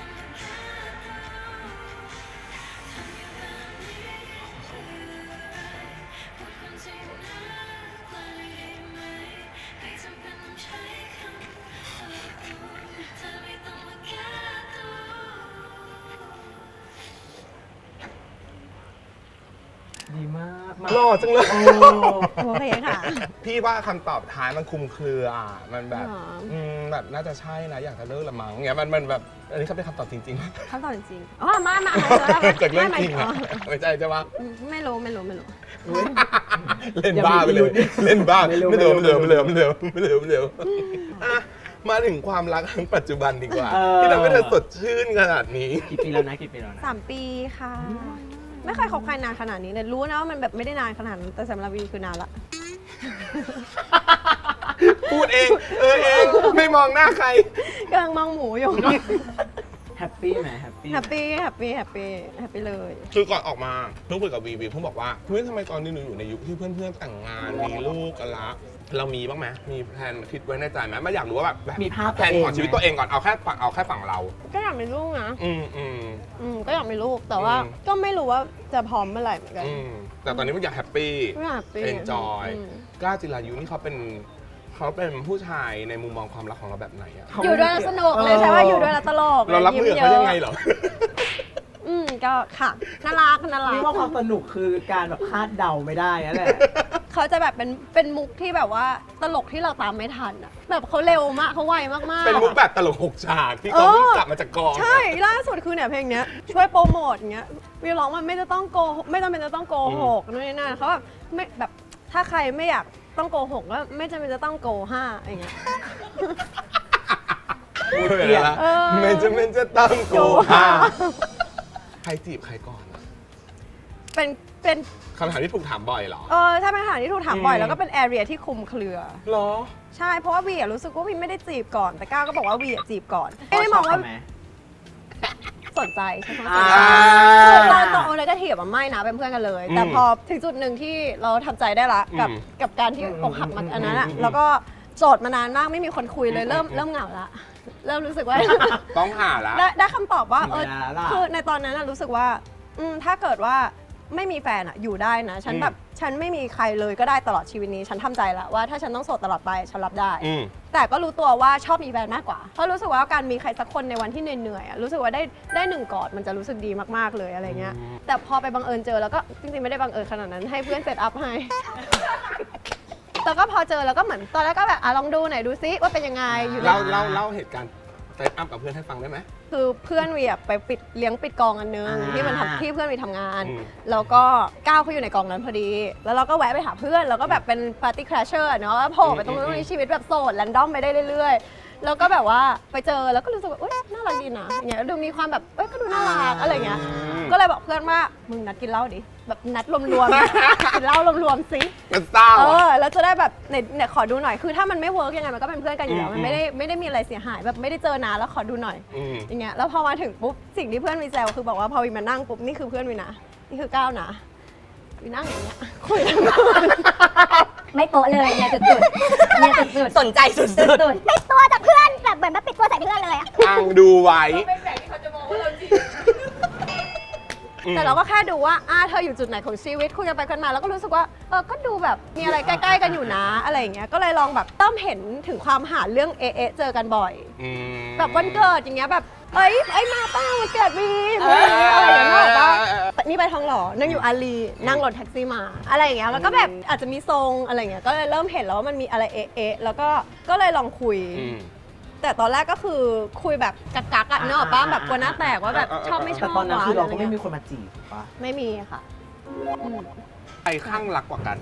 Speaker 2: ดีมากมา
Speaker 1: หล่อจังเลย
Speaker 3: โอเคค่ะ
Speaker 1: พี่ว่าคำตอบท้ายมันคลุมเครืออ่ะมันแบบ
Speaker 3: หรอ
Speaker 1: อืมแบบน่าจะใช่นะ อยากจะเลิกละมั้งเงี้ยมันมันแบบ อันนี้เขาเป็นคำตอบจริงๆ
Speaker 3: คำตอบจริงๆอ๋อมามา
Speaker 1: จากเรื่องจริง
Speaker 3: อ๋
Speaker 1: อ่ะ
Speaker 3: อ
Speaker 1: ไม่ใช่ใช่ปะ
Speaker 3: ไม่รู้ไม่รู้ไม่รู้
Speaker 1: เล่นบ้าไปเลย เล่นบ้าไม่เหลือไม่เหลือไม่เหลือไม่เหลือไม่เหลือไม่เหลือไม่เหลืออ่ะมาถึงความรักครั้งปัจจุบันดีกว่า
Speaker 2: เออ
Speaker 1: ที่ทำให้เธอสดชื่นขนาดนี้
Speaker 2: กี่ปีแล้วนะกี่ปีแล้วนะ
Speaker 3: สามปีค่ะ ไม่เคยคบใครนานขนาดนี้เลยรู้นะว่ามันแบบไม่ได้นานขนาดนั้นแต่สำหรับวีคือนานละ
Speaker 1: พูดเอง เออเอง ไม่มองหน้าใคร
Speaker 3: กำลังมองหมูอยู่
Speaker 2: แฮปปี้ไหมแฮปปี้
Speaker 3: แฮปปี้แฮปปี้แฮปปี้แฮปปี้เลย
Speaker 1: คือก่อนออกมาเพิ่งคุยกับวีวีเพิ่งบอกว่าเฮ้ยทำไมตอนนี้หนูอยู่ในยุคที่เพื่อนๆแต่งงานมีลูกกันละเรามีบ้างไหมมีแพลนคิดไว้ในใจไหมไม่อยากรู้ว่าแบบแบบ
Speaker 2: มีภาพ
Speaker 1: แพลนของชีวิตตัวเองก่อนเอาแค่ฝั่งเอาแค่ฝั่งเรา
Speaker 3: ก็อยากมีลูกนะ
Speaker 1: อืมอืม
Speaker 3: อืมก็อยากมีลูกแต่ว่า
Speaker 1: อืม
Speaker 3: ก็ไม่รู้ว่าจะพร้อมเมื่อไหร่เหมือนกัน
Speaker 1: อืมแต่ตอนนี้มันอยากแฮปปี้
Speaker 3: ไม่อยากปี
Speaker 1: เอนจอย
Speaker 3: อืม
Speaker 1: กล้าจิรายุนี่เขาเป็นเขาเป็นผู้ชายในมุมมองความรักของเราแบบไหนอะ
Speaker 3: อยู่ด้วยแล้วสนุกเลยใช่ว่าอยู่ด้วยแล้วตลก
Speaker 1: เรารับมือกับเขายังไงเหรอ
Speaker 3: อืมก็ค่ะน่ารักน่ารั
Speaker 2: นี่
Speaker 3: ก
Speaker 2: ว่าความสนุกคือการแบบคาดเดาไม่ได้นั่นแหละ
Speaker 3: เขาจะแบบเป็นเป็นมุกที่แบบว่าตลกที่เราตามไม่ทันอะแบบเขาเร็วมากเขาไวมากๆ
Speaker 1: เป็นมุกแบบตลกหกฉากที่เขาเพิ่งกลับมาจากกอง
Speaker 3: ใช่ล่าสุดคือเนี่ยเพลงเนี้ยช่วยโปรโมทอย่างเงี้ยวีร้องมันไม่จะต้องโกหกไม่จำเป็นจะต้องโกหกนู่นนี่นั่นเขาแบบไม่แบบถ้าใครไม่อยากต้องโกหกก็ไม่จำเป็นจะต้องโกห้าอย่างเงี้ย
Speaker 1: พูดไปแล้วละ
Speaker 3: เออ
Speaker 1: ไม่จะเป็นจะต้องโกหาใครจีบใครก่อนอะ
Speaker 3: เป็นเป็น
Speaker 1: คำถามที่ถูกถามบ่อยเหรอ
Speaker 3: เออถ้าเป็นอาหารที่ถูกถามบ่อย
Speaker 1: อืม
Speaker 3: แล้วก็เป็นแอเรียที่คลุมเครือ
Speaker 1: เหรอ
Speaker 3: ใช่เพราะว่าวีอะรู้สึกว่าวีไม่ได้จีบก่อน แต่ก้าวก็บอกว่าวีอะจีบก่อนไม่ได้มองว่า
Speaker 2: ไหม
Speaker 3: สนใจใช่ไหม
Speaker 2: อ่า
Speaker 3: คือตอนตอนโอเลกาทีฟอะไม่นะเป็นเพื่อนกันเลย แต่
Speaker 1: อืม
Speaker 3: พอถึงจุดหนึ่งที่เราทำใจได้ละกับ
Speaker 1: อืม
Speaker 3: กับการที่อกหักมันอันนั้นอะ
Speaker 1: อืม
Speaker 3: แล้วก็โสดมานานมากไม่มีคนคุยเลยเริ่มเริ่มเหงาละเริ่มรู้สึกว่า
Speaker 1: ต้องหาละ
Speaker 3: ได้ได้คำตอบว่าเออ
Speaker 2: เวลาล่ะ
Speaker 3: คือในตอนนั้นอะรู้สึกว่าอืมถ้าเกิดว่าไม่มีแฟนอะอยู่ได้นะฉัน
Speaker 1: อืม
Speaker 3: แบบฉันไม่มีใครเลยก็ได้ตลอดชีวิตนี้ ฉันทำใจแล้วว่าถ้าฉันต้องโสดตลอดไปฉันรับได้
Speaker 1: อืม
Speaker 3: แต่ก็รู้ตัวว่าชอบมีแฟนมากกว่า เพราะรู้สึกว่าการมีใครสักคนในวันที่เหนื่อยๆอะรู้สึกว่าได้ได้หนึ่งกอดมันจะรู้สึกดีมากๆเลยอะไรเงี้ย
Speaker 1: อืม
Speaker 3: แต่พอไปบังเอิญเจอแล้วก็จริงๆไม่ได้บังเอิญขนาดนั้นให้เพื่อนเซตอัพให้แล้วก็พอเจอแล้วก็เหมือนตอนแรกก็แบบอ่ะลองดูหน่อยดูซิว่าเป็นยังไงอยู่ใน
Speaker 1: เล่าเล่าเล่าเหตุการณ์เซตอัพกับเพื่อนให้ฟังได้ไหม
Speaker 3: คือเพื่อนวีอะไปปิดเลี้ยงปิดกองอันนึง
Speaker 2: อ่า
Speaker 3: ที่มันทำที่เพื่อนวีทำงาน
Speaker 1: อืม
Speaker 3: แล้วก็ก้าวเขาอยู่ในกองนั้นพอดี แล้วเราก็แวะไปหาเพื่อนแล้วก็แบบเป็นปาร์ตี้คราชเชอร์เนาะโผล่ไปตรงนู้นตรงนี้ชีวิตแบบโสดแรนดอมไปได้เรื่อยๆแล้วก็แบบว่าไปเจอแล้วก็รู้สึกว่าอุ๊ยน่ารักดีนะอย่างเงี้ยดูมีความแบบเอ้ยก็ดูน่ารักอะไรเงี้ยก็เลยบอกเพื่อนว่ามึงนัดกินเหล้าดิแบบนัดรวมๆ กินเหล้ารวมๆสิ
Speaker 1: มันเศร้า
Speaker 3: เอ
Speaker 1: อะ
Speaker 3: อแล้วจะได้แบบเนี่ยเนี่ยขอดูหน่อยคือถ้ามันไม่เวิร์กยังไงมันก็เป็นเพื่อนกันอยู่แล้ว
Speaker 1: อืม
Speaker 3: มันไม่ได้ไม่ได้มีอะไรเสียหายแบบไม่ได้เจอนานแล้วขอดูหน่อย
Speaker 1: อืม
Speaker 3: อย่างเงี้ยแล้วพอมาถึงปุ๊บสิ่งที่เพื่อนวีแซวคือบอกว่าพอวีมานั่งปุ๊บนี่คือเพื่อนวีนะนี่คือก้าวนะวีนั่งอย่างเงี้ยคุยกัน
Speaker 4: ไม่โป๊ะเลยเนี่ยสุดๆเนี่ยสุด
Speaker 5: สนใจสุด
Speaker 4: ๆสุดๆปิดตัวจากเพื่อนแบบเหมือนแบบปิดตัวใส่เพื่อนเลยอะ
Speaker 1: อ้างดูไว้
Speaker 3: แต่เราก็แค่ดูว่าอ่าเธออยู่จุดไหนของชีวิตคุยกันไปกันมาแล้วก็รู้สึกว่าเออก็ดูแบบมีอะไรใกล้ๆกันอยู่นะอะไรอย่างเงี้ยก็เลยลองแบบเริ่มเห็นถึงความหาเรื่องเอะๆเจอกันบ่อย
Speaker 1: อืม
Speaker 3: แบบวันเกิดอย่างเงี้ยแบบเอ้ยเอ้ยมาป้าวันเกิดวีอะไรอย่างเงี้ยแบบว่านี่ไปทองหล่อนั่งอยู่อารีนั่งรถแท็กซี่มาอะไรอย่างเงี้ยแล้วก็แบบอาจจะมีทรงอะไรอย่างเงี้ยก็เลยเริ่มเห็นแล้วว่ามันมีอะไรเอะเอะแล้วก็ก็เลยลองคุย
Speaker 1: อืม
Speaker 3: แต่ตอนแรกก็คือคุยแบบกักกักๆอะเนกอะป้าแบบกลัวหน้าแตกว่าแบบชอบไม่ช
Speaker 2: แต่
Speaker 3: อบ
Speaker 2: ตอนนั้นคือเราก็ไม่
Speaker 3: ะ
Speaker 2: มี
Speaker 3: งี้ย
Speaker 2: คนมาจีบถูกปะ
Speaker 3: ไม่มีค่ะอืม
Speaker 1: ใครข้างรักกว่ากัน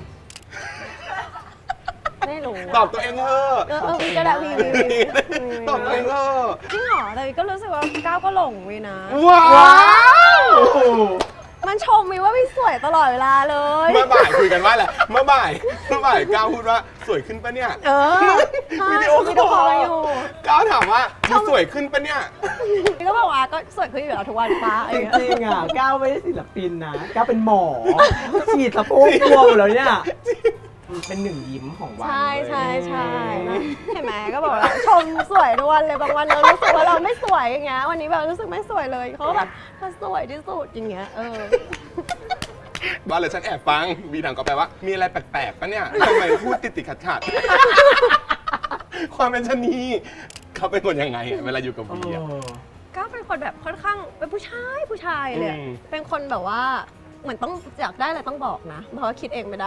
Speaker 3: ไม่รู้
Speaker 1: ตอบตัวเองเถอะ
Speaker 3: เออเออวีก็ได้วีวีวีวี
Speaker 1: ตอบตัวเองเถอะ
Speaker 3: จริงเหรอแต่วีก็รู้สึกว่าก้าวก็หลงวีนะ
Speaker 1: ว้าว
Speaker 3: มันชมวีว่าวีสวยตลอดเวลาเลย
Speaker 1: เมื่อบ่ายคุยกันว่าอะไรเมื่อบ่ายเมื่อบ่ายก้าวพูดว่าสวยขึ้นปะเนี่ย
Speaker 3: เออใช่
Speaker 1: วิดีโอ
Speaker 3: วิดีโอคอลอยู่
Speaker 1: ก้าวถามว่าดูสวยขึ้นปะเนี่ย
Speaker 3: วีก็บอกว่าก็สวยขึ้นอยู่แล้วทุกวันป้าอะไร
Speaker 2: จ
Speaker 3: อย่างเงี้ย
Speaker 2: ริงๆอ่ะก้าวไม่ได้ศิลปินนะก้าวเป็นหมอ ฉีดสะโพกกลัวหมดแล้วเนี่ย เป็นหนึ่งยิ้มของวัน
Speaker 3: ใช่
Speaker 2: เลย
Speaker 3: ใช่ใช่นะเห็นไหมก็บอกแล้วชมสวยทุกวันเลยบางวันเรารู้สึกว่าเราไม่สวยอย่างเงี้ยวันนี้แบบรู้สึกไม่สวยเลยเขาก็แบบเธอสวยที่สุดอย่างเงี้ยเออ
Speaker 1: บ้านเลยฉันแอบฟังบีถังก็แปลว่า มีอะไรแปลกๆปะเนี่ยทำไมพูดติดติดขัดขัดๆความเป็นชะนีเขาเป็นคนยังไงอะเวลาอยู่กับ
Speaker 2: เอ
Speaker 1: บีอะ
Speaker 2: อ
Speaker 3: ก็เป็นคนแบบค่อนข้างเป็นผู้ชายผู้ชายเลยอะ
Speaker 1: อืม
Speaker 3: เป็นคนแบบว่าเหมือนต้องอยากได้อะไรต้องบอกนะ เพราะว่าคิดเองไม่ได้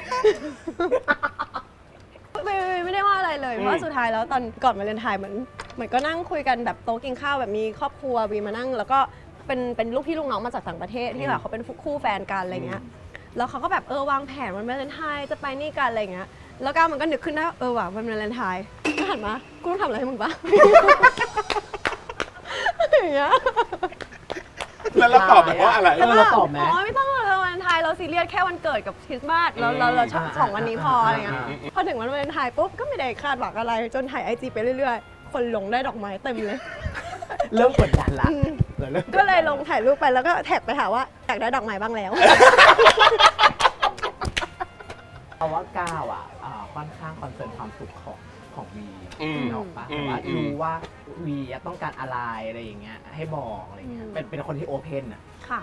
Speaker 3: ไม่ไม่ไม่ได้ว่าอะไรเลย เพราะว่าสุดท้ายแล้วตอนก่อนมาเรียนไทยเหมือนเหมือนก็นั่งคุยกันแบบโต๊ะกินข้าวแบบมีครอบครัววีมานั่ง แล้วก็เป็นเป็นลูกพี่ลูกน้องมาจากต่างประเทศที่แบบเขาเป็นคู่แฟนกันอะไรเงี้ยแล้วเขาก็แบบเออวางแผนวันวาเลนไทน์จะไปนี่กันอะไรเงี้ยแล้วก็มันก็นึกขึ้นได้เออว่ะวันวาเลนไทน์ก็หันมากูต้องทำอะไรให้มึงปะ อย่างเงี้ย
Speaker 1: แล้วเราตอบแบบว่าอะไร
Speaker 2: เออเราตอบไหม
Speaker 3: อ๋อไม่ต้องหรอกวันวาเลนไทน์เราซีเรียสแค่วันเกิดกับคริสต์มาสเราเราเราชอบ
Speaker 2: อ่า
Speaker 3: สองวันนี้พออะไรเงี้ย
Speaker 2: อ่าอ่า
Speaker 3: พอถึงวันวาเลนไทน์ปุ๊บก็ไม่ได้คาดหวังอะไรจนถ่ายไอจีไปเรื่อยๆ คนลงได้ดอกไม้เต็มเลย
Speaker 2: เริ่มกดดันละ
Speaker 3: อืม
Speaker 2: เออเริ่ม
Speaker 3: ก็เลยลงถ่ายรูปไปแล้วก็แท็กไปหาว่าอยากได้ดอกไม้บ้างแล้ว
Speaker 2: เพราะว่าก้าวอ่ะอ่าค่อนข้างคอนเซิร์นความสุขของของวี
Speaker 1: อืม
Speaker 2: นกออกปะ
Speaker 1: อืม
Speaker 2: แต่ว่า
Speaker 1: อืม
Speaker 2: รู้ว่าวีอะต้องการอะไรอะไรอย่างเงี้ยให้บอกอะไรเงี้ย
Speaker 3: อืม
Speaker 2: เป็นเป็นคนที่โอเพนอ่ะ
Speaker 3: ค่ะ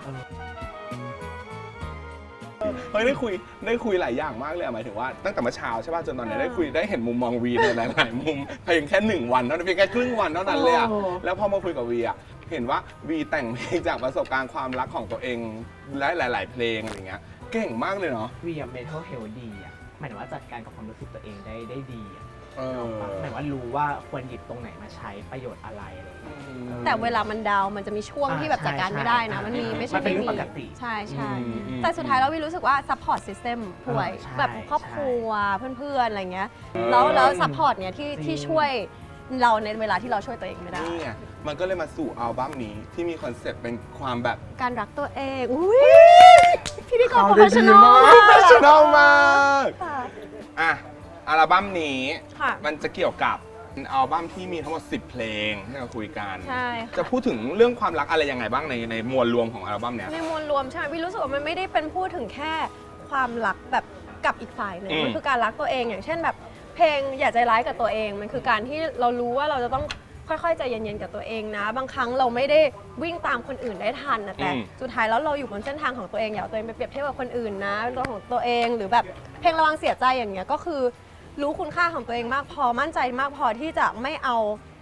Speaker 1: เฮ้ยได้คุยได้คุยหลายอย่างมากเลยอะหมายถึงว่าตั้งแต่เมื่อเช้าใช่ป่ะจนตอนนี้ได้คุยได้เห็นมุมมองวีในหลายๆมุมเพียงแค่หนึ่งวันเท่านั้นเพียงแค่ครึ่งวันเท่านั้นเลยอะ
Speaker 2: โอ้
Speaker 1: แล้วพอมาคุยกับวีอะเห็นว่าวีแต่งเพลงจากประสบการณ์ความรักของตัวเองและหลาย ๆ เพลงอะไรเงี้ยเก่งมากเลยเนาะ
Speaker 2: วีอะเมทัลเฮลดีอ่ะหมายถึงว่าจัดการกับความรู้สึกตัวเองได้ได้ดีอะ
Speaker 1: เออ
Speaker 2: หมายว่ารู้ว่าควรหยิบตรงไหนมาใช้ประโยชน์อะไรอะไรอย่างเงี้ย
Speaker 3: แต่เวลามันดาวน์มันจะมีช่วง
Speaker 2: อ่า
Speaker 3: ที่แบบจัดการ
Speaker 2: ใช่
Speaker 3: ไม่ได้นะ
Speaker 2: ใช่
Speaker 3: มันมีไม่ใช่
Speaker 2: มันเป็น
Speaker 3: ไม่
Speaker 2: เรื่อง
Speaker 3: มี
Speaker 2: ปกติ
Speaker 3: ใช่ใช่
Speaker 1: อืมอืม
Speaker 3: แต่สุดท้ายแล้ววิรู้สึกว่า support system ป่วย
Speaker 2: เออใช่
Speaker 3: แบบครอบ
Speaker 2: ใช่
Speaker 3: ครัวเพื่อนๆอะไรเงี้ยแล้วแล้ว support เนี่ยที่
Speaker 2: จริง
Speaker 3: ที่ช่วยเราในเวลาที่เราช่วยตัวเองไม่ได้
Speaker 1: นี่ไงมันก็เลยมาสู่อัลบั้มนี้ที่มีคอนเซ็ปต์เป็นความแบบ
Speaker 3: การรักตัวเองอุ้ยพี่ดีกว่า
Speaker 2: เขาได้ดี
Speaker 3: professional
Speaker 2: มาก
Speaker 1: โปรเฟชชั่นอลมาก
Speaker 3: ค่ะ
Speaker 1: อ่ะอัลบั้มนี้
Speaker 3: ค่ะ
Speaker 1: มันจะเกี่ยวกับเป็นอัลบั้มที่มีทั้งหมดสิบเพลงที่เราคุยกัน
Speaker 3: ใช่ค่ะ
Speaker 1: จะพูดถึงเรื่องความรักอะไรยังไงบ้างในในมวลรวมของอัลบั้มเนี้ย
Speaker 3: ในมวลรวมใช่ไหมวิรู้สึกว่ามันไม่ได้เป็นพูดถึงแค่ความรักแบบกับอีกฝ่ายหนึ่ง
Speaker 1: อืม
Speaker 3: มันคือการรักตัวเองอย่างเช่นแบบเพลงอย่าใจร้ายกับตัวเอง มันคือการที่เรารู้ว่าเราจะต้องค่อยๆใจเย็นๆกับตัวเองนะ บางครั้งเราไม่ได้วิ่งตามคนอื่นได้ทันนะแต่
Speaker 1: อืม
Speaker 3: สุดท้ายแล้วเราอยู่บนเส้นทางของตัวเองอย่าเอาตัวเองไปเปรียบเทียบกับคนอื่นนะเป็นตัวของตัวเองหรือแบบเพลงระวังเสียใจอย่างเงี้ยก็คือรู้คุณค่าของตัวเองมากพอมั่นใจมากพอที่จะไม่เอา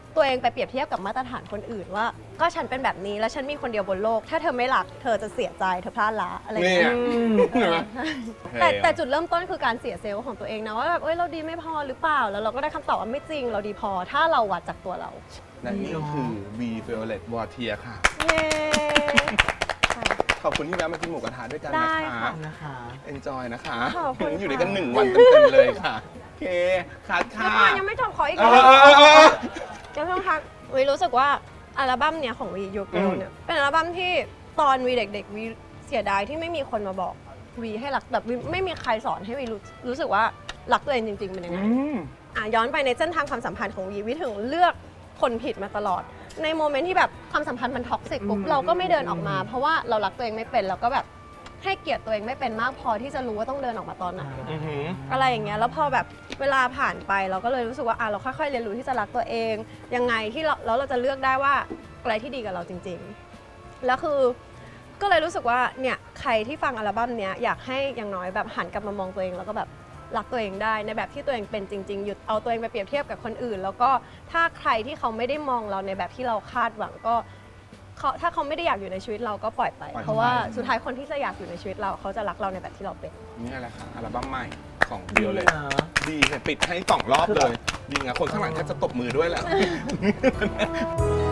Speaker 3: ตัวเองไปเปรียบเทียบกับมาตรฐานคนอื่นว่า ก็ฉันเป็นแบบนี้แล้วฉันมีคนเดียวบนโลก ถ้าเธอไม่รักเธอจะเสียใจเธอพลาดละอะไรอย่าง
Speaker 1: นี่
Speaker 3: เงี้ย
Speaker 1: เห็นไหม
Speaker 3: แต่แต่จุดเริ่มต้นคือการเสียเซลล์ของตัวเองนะว่าแบบเอ้ยเราดีไม่พอหรือเปล่าแล้วเราก็ได้คำตอบว่าไม่จริงเราดีพอถ้าเราวัดจากตัวเรา
Speaker 1: และนี่คือ B Violet Water ค่ะ
Speaker 3: เย้
Speaker 1: ขอบคุณที่แวะมากินหมูกระทะด้วยกัน
Speaker 3: ได้
Speaker 1: นะคะ
Speaker 3: ค่ะ
Speaker 2: นะคะ
Speaker 1: enjoy นะคะ
Speaker 3: ขอบคุณ
Speaker 1: อยู่
Speaker 3: ค่ะ
Speaker 1: ด้วยกันหนึ่งวันเต็มๆเลยค่ะ โอเค คัด
Speaker 3: แล้ว
Speaker 1: ค่ะ
Speaker 3: ก่อนยังไม่จบขออีก
Speaker 1: เอ
Speaker 3: แล้
Speaker 1: อเออเออเออ
Speaker 3: วต้องทักวีรู้สึกว่าอัลบั้มเนี้ยของวียูเกิลเนี่ยเป็นอัลบั้มที่ตอนวีเด็กๆวีเสียดายที่ไม่มีคนมาบอกวีให้รักแบบวีไม่มีใครสอนให้วีรู้รู้สึกว่ารักตัวเองจริงๆเป็นยังไง
Speaker 1: อืม
Speaker 3: อ่ะย้อนไปในเส้นทางความสัมพันธ์ของวีวีถึงเลือกคนผิดมาตลอด ในโมเมนต์ที่แบบความสัมพันธ์มันท็อกซิกปุ๊บเราก็ไม่เดินออกมา เพราะว่าเรารักตัวเองไม่เป็นเราก็แบบให้เกียรติตัวเองไม่เป็นมากพอที่จะรู้ว่าต้องเดินออกมาตอนไหน
Speaker 1: อือหือ
Speaker 3: อะไรอย่างเงี้ยแล้วพอแบบเวลาผ่านไปเราก็เลยรู้สึกว่าอ่ะเราค่อยๆเรียนรู้ที่จะรักตัวเองยังไงที่เราแล้วเราจะเลือกได้ว่าอะไรที่ดีกับเราจริงๆแล้วคือก็เลยรู้สึกว่าเนี่ยใครที่ฟังอัลบั้มเนี้ยอยากให้อย่างน้อยแบบหันกลับมามองตัวเองแล้วก็แบบรักตัวเองได้ในแบบที่ตัวเองเป็นจริงๆหยุดเอาตัวเองไปเปรียบเทียบกับคนอื่น แล้วก็ถ้าใครที่เขาไม่ได้มองเราในแบบที่เราคาดหวังก็เขาถ้าเขาไม่ได้อยากอยู่ในชีวิตเราก็ปล่อยไป
Speaker 1: ปล่อยไป
Speaker 3: เพราะว่าสุดท้ายคนที่จะอยากอยู่ในชีวิตเราเขาจะรักเราในแบบที่เราเป็น
Speaker 1: นี่แหละค่ะ อัลบั้มใหม่ของ
Speaker 2: ดี
Speaker 1: Violet
Speaker 2: นะ
Speaker 1: ดีค่ะปิดให้สองรอบเลยยิงอะคนข้างหลังแทบจะตบมือด้วยแหละ